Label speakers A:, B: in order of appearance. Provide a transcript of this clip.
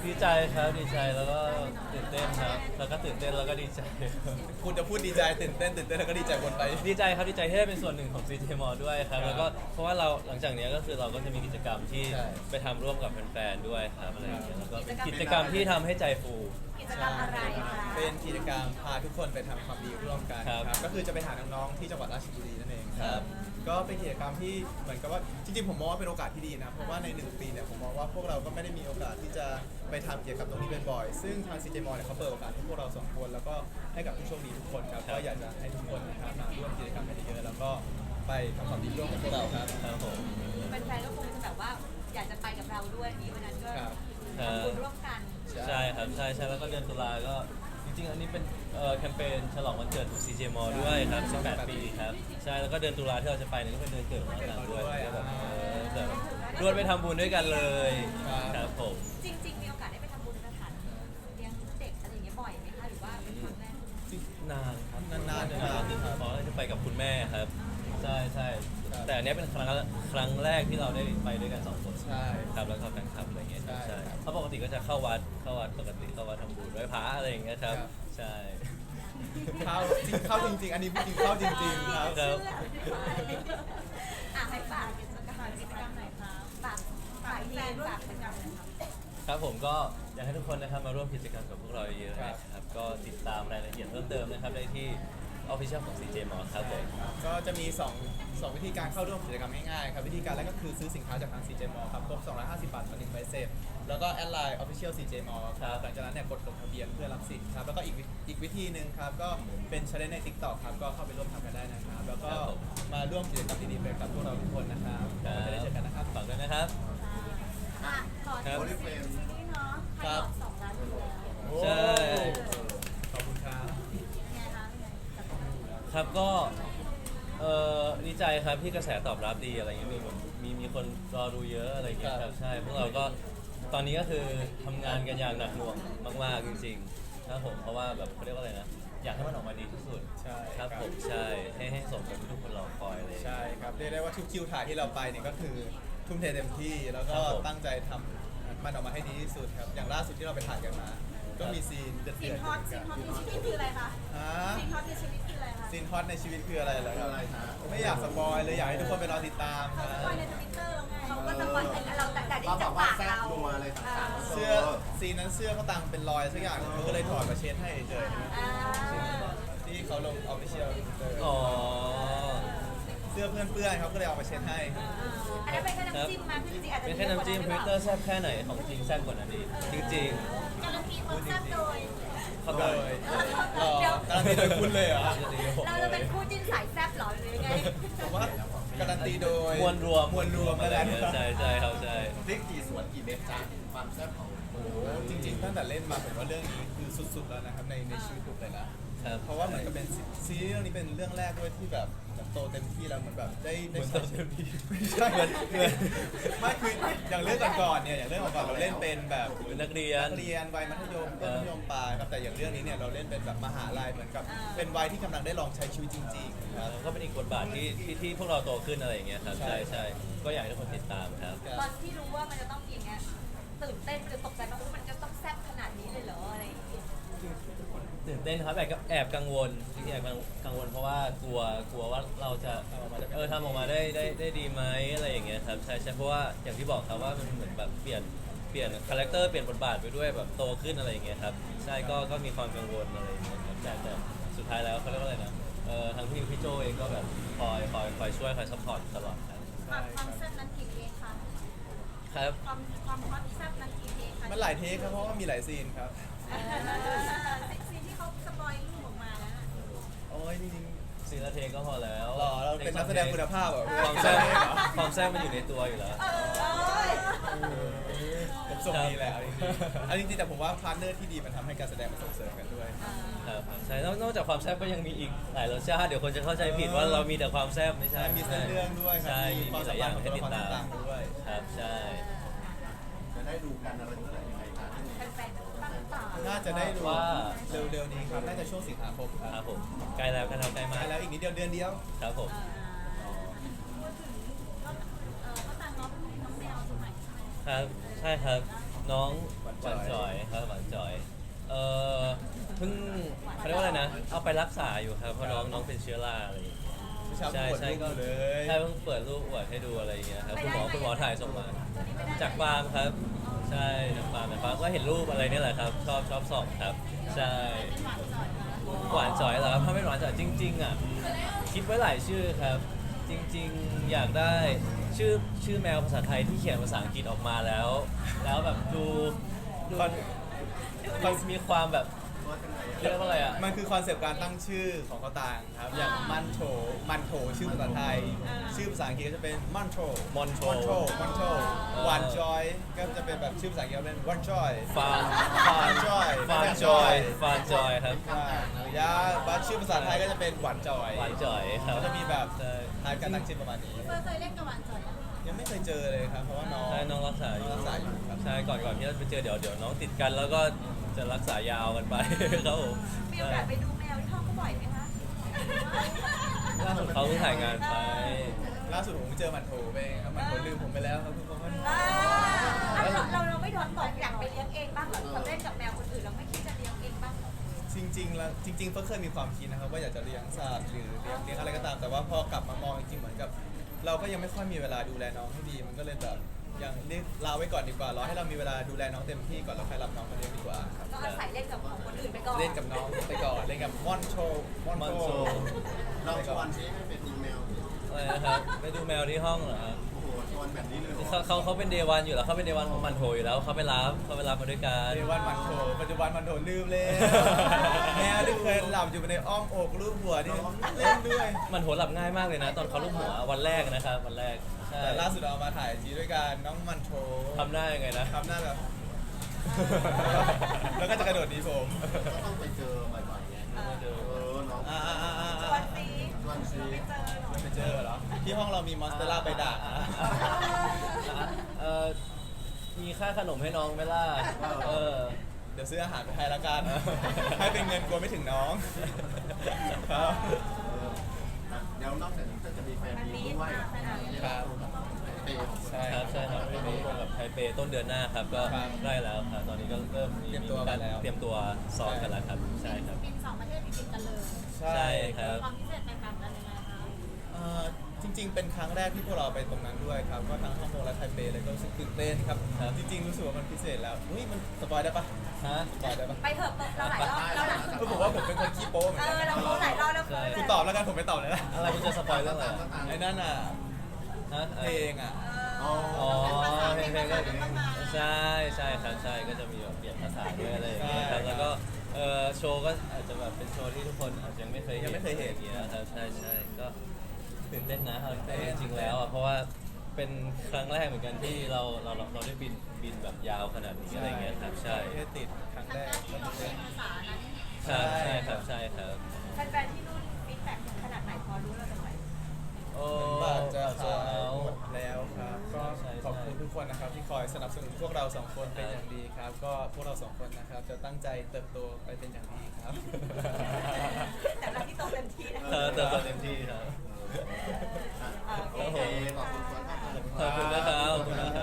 A: ดีใจครับดีใจแล้วก็ตื่นเต้นครับแล้วก็ตื่นเต้นแล้วก็ดีใจ
B: คุณจะพูดดีใจตื่นเต้นแล้วก็ดีใจวนไป
A: ดีใจครับดีใจที่ได้เป็นส่วนหนึ่งของ CJ m a l l ด้วยครับ
B: ครับ
A: แล้วก็เพราะว่าเราหลังจากนี้ก็คือเราก็จะมีกิจกรรมที่
B: ใช่
A: ไปทำร่วมกับแฟนๆด้วยครับอะไรอย่างเงี้ยแล้วก็เป็น
C: กิ
A: กิ
C: จ
A: จ
C: ก
A: ก
C: ร
A: ร
C: ร
A: ร
C: ม
A: มที่ทำให้ใจฟู
C: กิจกรรมอะไรคะ
B: เป็นกิจกรรมพาทุกคนไปทำความดีร่วมกัน
A: ครับ
B: ครับก็คือจะไปหาน้องๆที่จังหวัดราชบุรีนั่นเองค
A: ครั
B: รับ บก็เป็นกิจกรรมที่เหมือนกับว่าจริงๆผมมองว่าเป็นโอกาสที่ดีนะเพราะว่าใน1 ปีเนี่ยผมมองว่าพวกเราก็ไม่ได้มีโอกาสที่จะไปทำเกี่ยวกับตรงนี้บ่อยๆซึ่งทาง CJ m a l l เนี่ยเขาเปิดโอกาสให้พวกเรา2 คนแล้วก็ให้กับผู้โชคดีทุกคนครับก็อยากจะให้ทุกคนนะครับมาร่วมกิจกรรมกันเยอะๆแล้วก็ไปทำความดีร่วมกับพวกเราครับ
A: ครับผม
C: แฟนๆก็คงจะแบบว่าอยากจะไปกับเราด้วยนี้วันนั้นก็
B: ครับ
C: ทำบุญร่วมกัน
A: ใช่ครับใช่แล้วก็เดือนตุลาก็จริงๆอันนี้เป็นแคมเปญฉลองวันเกิดของ CJ m a l l ด้วยครับ18 ปีครับใช่แล้วก็เดือนตุลาที่เราจะไปเนี่ยก็เป็นเดือนเกิดของเราด้วยก็แบบแบบรวดไปทำบุญด้วยกันเลยครับผม
C: จริงๆมีโอกาสได้ไปทำบุญสถานเลี้ยงเด็กอะไรอย่างเงี้ยบ่อยไหมคะหรือว่าเป็นครั้งแรก
A: นานครับ
B: นานๆ
A: เพราะจะไปกับคุณแม่ครับใช่ใช่
B: ครับ
A: แต่อันเนี้ยเป็นครั้งแรกที่เราได้ไปด้วยกัน2 คน
B: ใช่
A: ครับแล้วก็แฟนคลับอะไรเงี้ย
B: ใช่
A: ใช่
B: ครับ
A: เพราะปกติก็จะเข้าวัดปกติเข้าวัดทำบุญไหว้พระอะไรอย่างเงี้ยครับ
B: ครับ
A: ใช่
B: เข้าจริงๆอันนี้จริงๆเข้าจริงๆครับ
A: ครับ
C: อ่ะให้ฝากกิจกรรมหน่อยครับฝากทีมฝากกิจกรรมหน่อยครับ
A: ครับผมก็อยากให้ทุกคนนะครับมาร่วมกิจกรรมกับพวกเราเยอะๆ
B: ครับ
A: นะครับก็ติดตามรายละเอียดเพิ่มเติมนะครับได้ที่ Official ของ CJ m a l l ครับผม
B: ก็จะมี2วิธีการเข้าร่วมกิจกรรมง่ายๆครับวิธีการแรกก็คือซื้อสินค้าจากทาง CJ m a l l ครับครบ250 บาทต่อ1ใบเสร็จแล้วก็แอดไลน์ Official CJ m a l l ครับหลังจากนั้นเนี่ยกดลงทะเบียนเพื่อรับสิทธิ์ครับแล้วก็อีกวิธีหนึ่งครับก็เป็น challenge ใน TikTok ครับก็เข้าไปร่วมทำกันได้นะครับแล้วก็มาร่วมกิจกรรมดีๆไปกับพวกเราทุกคนนะครับก็จะได้เจอกันนะครับ
A: ฝากด้วยนะครับ
C: อ่ะขอ
A: ครับ
C: ทีมซีรีส์เนาะใครบอก2 ล้านวิวแล้ว
A: ใช่
B: ขอบคุณครับ
C: เป็นไงคะเป็นไงกับ
A: ครับก็ดีใจครับที่กระแสตอบรับดีอะไรเงี้ยมีคนรอดูเยอะอะไรเงี้ยครับใช่พวกเราก็ตอนนี้ก็คือทำงานกันอย่างหนักหน่วงมากๆจริงๆครับผมเพราะว่าแบบเขาเรียกว่าอะไรนะอยากให้มันออกมาดีที่สุด
B: ใช่
A: ครับผมใช่ให้สมกับที่ทุกคนรอคอยเลย
B: ใช่ครับเรียกได้ว่าทุกคิวถ่ายที่เราไปเนี่ยก็คือทุ่มเทเต็มที่แล้วก็
A: ครับผม
B: ตั้งใจทำมันออกมาให้ดีที่สุดครับอย่างล่าสุดที่เราไปถ่ายกันมา ก็มีซีนเดือด
C: ซีน
B: ๆ
C: ฮอตซีนฮอตในชีวิตคืออะไรคะ
B: ฮะ
C: ซีนฮอตในชีวิตคืออะไรคะ
B: ซีนฮอตในชีวิตคืออะไรเหรอครับไม่อยากสปอยเลยอยากให้ทุกคนไปรอติดตาม
C: เขา
B: นะ
C: สปอยในทวิตเตอร์แล้วไงเขาก็สปอยแต่เราแต่ได้จากปากเรา
B: เสื้อซีนนั้นเสื้อเขาตังเป็นรอยสักอย่างเขาก็เลยถอดมาเช็ดให้เฉย
C: อ่า
B: ๆที่เขาลงออฟฟิเชียล
A: อ๋อ
B: เสื้อเพื่อนเปื้อนเขาก็เลยเอามาเช็ดให้
C: อันนั้นเป็นแค่น้ำจิ้มมาคือจริงๆอาจจะ
A: เป็นแค่น้ำจิ้มทวิตเตอร์แซ่บแค่ไหนของจริงแซ่บกว่านั้นดีจริง
C: การันตีความแซ่บโดย
A: ๆเข้า
B: เล
A: ใจ
B: ยการันตีโดยคุณเลยเหรอ
C: เราจะเป็นคู่จิ้นสายแซ่บเหรอหรือยังไง
B: ผมว่าการันตีโดย
A: มวลรวม
B: มวลรวม
A: อะไร
B: แล้ว
A: เงี้ยใช่ใช่ครับใช่
D: พริกกี่ส่วนกี่เม็ดจ้าความแซ่บของ
B: โอ้โหจริงๆตั้งแต่เล่นมาผมว่าเรื่องนี้คือสุดๆแล้วนะครับในชีวิตผมเลยนะ
A: ครับ
B: เพราะว่าเหมือนกับเป็นซีรีส์เรื่องนี้เป็นเรื่องแรกด้วยที่แบบเหมือนโตเต็มที่แล้วเหมือนแบบได้
A: เหมือน
B: ใช้
A: โตเต็มที่
B: ไม่ใช่ไม่คืออย่างเรื่องก่อนๆเนี่ยอย่างเรื่องก่อนๆเราเล่นเป็นแบบ
A: เป็นนักเรียน
B: นักเรียนวัยมัธยมต้นมัธยมปลายครับแต่อย่างเรื่องนี้เนี่ยเราเล่นเป็นแบบมหาลัยเหมือนกับเป็นวัยที่กำลังได้ลองใช้ชีวิตจริงๆครับ
A: ก็เป็นอีกบทบาทที่พวกเราโตขึ้นอะไรอย่างเงี้ยครับ
B: ใช่
A: ใช่ก็อยากให้ทุกคนติดตามครับ
C: ตอนที่รู้ว่ามันจะต้องมีอย่างเงี้ยตื่นเต้นหรือตกใจมากว่ามันจะต้องแซ่บขนาดนี้เลยเหรออะไรอย่างเงี้ย
A: ตื่นเต้นครับแอบกังวลจริงๆแอบกังวลเพราะว่ากลัวว่าเราจะทำออกมาได้ดีไหมอะไรอย่างเงี้ยครับใช่ใช่เพราะว่าอย่างที่บอกครับว่ามันเหมือนแบบเปลี่ยนคาแรคเตอร์เปลี่ยนบทบาทไปด้วยแบบโตขึ้นอะไรอย่างเงี้ยครับใช่ก็มีความกังวลอะไรอย่างเงี้ยครับแต่สุดท้ายแล้วเขาเรียกว่าอะไรนะทางพี่โจเองก็แบบคอยช่วยคอยซัพพอร์ตตลอดครับ
C: ความแซ่บนั้นกี่เพลงคะ
A: ครับ
C: ความฮอตแซ่บนั้นกี่เพลงคะ
B: มันหลายเทคครับเพราะว่ามีหลายซีนครับ
C: ซีนที่เขาสปอยรูปออกมาแล้ว
B: โอ้ยจริง
A: ซีละเทก็พอแล้ว
B: ๆหล่อเราเป็นนักแสดงคุณภาพเหรอ
A: ความแซ่บความแซ่บมันอยู่ในตัวอยู่แล้ว
B: ผมส่งดีแล้วอันจริงๆแต่ผมว่าพาร์ทเนอร์ที่ดีมันทำให้การแสดงมันส่งเสริมกันด้วย
A: ครับใช่นอกจากความแซ่บก็ยังมีอีกหลายรสชาติเดี๋ยวคนจะเข้าใจผิดว่าเรามีแต่ความแซ่บไม่ใช่
B: มีเส้นเรื่องด้วยครั
A: ใช่
B: มี
A: มี
B: ความ
A: ห
B: สา
A: ลายอ
B: มาร
A: ย่า
B: ถ
A: ง
B: ของ
A: ให้
B: ตัว
A: ติ
B: ละ
A: ด
B: คร
A: ตาม
B: ต่างๆด้วย
A: ครับใช่
D: จะได้ดูกันอะไรเมื่อไหร่ยังไงคะ
C: แฟนๆตั้งตา
B: น่าจะได้ดู
A: ว่า
B: เร็วๆนี้ครับน่าจะช่วงสิงหาคมค
A: ค
B: รั
A: รั
B: บบ
A: ผมใกล้แล้วใกล้
B: ใก
A: มา
B: ล้
A: ก
B: แล้วอีกนิดเดียวเดือนเดียว
A: ครับผม
C: พูดถึงก็ต่างน้องแมวสมัยใช่ไหม
A: ครับใช่ครับน้องหวานจอยครับหวานจอยเพิ่งเขาเรียกว่าอะไรนะเอาไปรักษาอยู่ครับเพราะน้องเป็นเชื้อราอะไรอย่างเงี้ย
B: เช้า
A: ใช่
B: ปวด
A: ใช่
B: รูป
A: ก็
B: อยู่เลย
A: ใช่เพิ่งเปิดรูปอวดให้ดูอะไรอย่างเงี้ยครับคุณหมอถ่ายส่งมาจากฟาร์มครับ ใช่จากฟาร์มแต่ฟาร์มก็เห็นรูปอะไรนี่แหละครับ ชอบส่องครับ ใช่หวานจ่อยเหรอครับถ้าไม่หวานจ่อยจริงๆอ่ะคิดไว้หลายชื่อครับ จริงๆอยากได้ชื่อแมวภาษาไทยที่เขียนภาษาอังกฤษออกมาแล้วแบบดูมีความแบบเรียกว่าอะไรอ่ะ
B: มันคือคอนเซปต์การตั้งชื่อของเขาต่างครับ อย่างมันโถชื่อภาษาไทย ชื่อภาษาอังกฤษก็จะเป็นมันโถ
A: Monto
B: หวานจอยก็จะเป็นแบบชื่อภาษาอังกฤษเป็นวันจอย
A: ฟาร์ม
B: จอย
A: ฟาร์มจอยครับ
B: ยาบัสชื่อภาษาไทยก็จะเป็นหวานจอย
A: หวานจ่อยครับ
B: ก็จะมีแบบ
A: ใช่
B: ทายการตั้งชื่อประมาณนี้
C: เคยเล่นกับหวานจอย
B: ยังไม่เคยเจอเลยครับ เพราะว่าน้อง
A: ใช่น้องรักษาอยู่
B: รักษาอยู่ครับ
A: ใช่ก่อนที่จะไปเจอเดี๋ยวน้องติดกันแล้วก็จะรักษายาวกันไป ครับผม
C: มีโอกาสไปดูแมวที่ห้องเขาบ่อยไหมคะ
A: ล่าสุดเขาเพิ่งถ่ายงานไป
B: ล่าสุดผมเจอมันโถไปครับมันโถลืมผมไปแล้วครับทุกคน
C: เราไม่โดนบอกอยากไปเลี้ยงเองบ้างเหรอเราเล่นกับแมวคนอื่นเราไม่คิดจะเลี้ยงเองบ้างเหรอ
B: จริงๆแล้วจริงๆเพิ่งเคยมีความคิดนะครับว่าอยากจะเลี้ยงสัตว์หรือเลี้ยงอะไรก็ตาม แต่ว่าพอกลับมามองจริงๆเหมือนกับ เราก็ยังไม่ค่อยมีเวลาดูแลน้องให้ดี มันก็เลยแบบยังเรียกลาไว้ก่อนดีกว่ารอให้เรามีเวลาดูแลน้องเต็มที่ก่อนแล้วค่อยรับน้องมาเลี้ยงดีกว่าครับ
C: ก็อาศัยเล่นกับคนอื่นไปก่อน
B: เล่นกับน้องไปก่อนเล่นกับม่อนโชม่อน
A: ม่อน
B: โช
A: โช
D: เราชวนชี้ให้เป็นแมว
A: อะไรนะครับไปดูแมวที่ห้องเหรอครับ
D: โอ้โหชวนแบบนี้เลยเหรอ
A: เขาเป็นเดวันอยู่แล้วเขาเป็นเดวันของมันโถอยู่แล้วเขาไปรับมาด้วยกัน
B: ปัจจุบันมันโถปัจจุบันมันโถลืมเลย แมวที่เคยหลับอยู่ในอ้อมอกรูปหัวนี่เล่นด้วย
A: มันโถหลับง่ายมากเลยนะ ตอนเขาลูบหัววันแรกนะครับวันแรกใช่
B: แต่ล่าสุดเรามาถ่ายจีด้วยกันน้องมันโถ
A: ทำหน้ายังไงนะ
B: ทำหน้าแบบ แล้วก็จะกระโดดหนีผม
D: ก็ต้องไปเจอบ่อยๆไงน้อง
C: วันนี้
D: ชวนชี้
C: ไม่เจอหรอก
B: ไปเจอเหรอ ที่ห้องเรามีมอนสเตอร่าไปด่าง
A: มีค่าขนมให้น้องไหมล่ะ
B: เดี๋ยวซื้ออาหารไปให้ละกัน ให้เป็นเงินกลัวไม่ถึงน้อง ครับ
D: เดี๋ยวนอกจากนี้ก็จะมีแฟนมีด้วย
B: ครับ
D: เปย์ของ
B: ใช่
A: ครับใช่ครับไม่รู้กับไทเปต้นเดือนหน้าครับก็
B: ครับ
A: ได้แล้วครับตอนนี้ก็เริ่มมี
B: เตรียมตัวกันแล้ว
A: เตรียมตัวซ้อมกันแล้วครับใช่ครับ
C: บิน2 ประเทศติดกันเลย
A: ใช่ครับ
C: ความพิเศษแตกต่างกันยังไงคะ
B: จริง ๆ เป็นครั้งแรกที่พวกเราไปตรงนั้นด้วยครับ ก็ทั้งฮ่องกงและไทเปเลยก็รู้สึกตื่นเต้นครับ
A: ครับ
B: จริง ๆ รู้สึกว่ามันพิเศษแล้วเฮ้ยมันสปอยได้ปะ
A: ฮะ
B: สปอยได้ปะ
C: ไปเถอะเราหลายรอบเราหลาย
B: ก็ผมว่าผมเป็นคนขี้โป๊เหมือนกัน
C: เราโพสหลายรอบแล้ว
A: ใช่
B: คุณตอบแล้วกันผมไม่ตอบเลยนะ
A: อะไรคุณจะสปอยเรื่องอะไรอะ
B: ไอ้นั่นอ่ะ
A: ฮะ
B: เพลงอ่ะ
D: อ๋อ
A: อ๋อเพลงก็ใช่ใช่ครับใช่ก็จะมีแบบเปลี่ยนภาษาด้วยอะไรอย่างเงี้ยครับ
B: ใช่
A: แล้วก็โชว์ก็อาจจะแบบเป็นโชว์ที่ทุกคนอาจจะยังไม่เคยเห็น
B: ยังไม่เคยเห็น
A: อย่างเงี้ยครับใช่ใช่ก็ตื่นเต้นนะเอาจริงๆแล้วอ่ะเพราะว่าเป็นครั้งแรกเหมือนกันที่เราได้บินแบบยาวขนาดนี้อะไรเงี้ยครับใช่
B: ประเทศติดครั้งแรก
C: ที่เราเป็นภาษานั้น
A: ครับใช่ครับใช่ครับ
C: แฟนๆที่นู่นฟีดแบ็กขนาดไหนพอรู้แล้วกันไหม
A: โอ้
B: บัตรจะ
A: โซ
B: ขาย
A: เอา
B: หมดแล้วครับ ก็
A: ใช่
B: ขอบคุณทุกคนนะครับที่คอยสนับสนุนพวกเราสองคนเป็นอย่างดีครับ ก็พวกเราสองคนนะครับจะตั้งใจเติบโตไปเป็นอย่างดีครับ
C: แต่เราที่โตเต็มที่นะ
A: เติบโตเต็มที่ครับ
C: โอ
D: โอ
C: เค
D: เคขอบคุณครับ
A: ขอบคุณนะครับขอบคุณนะ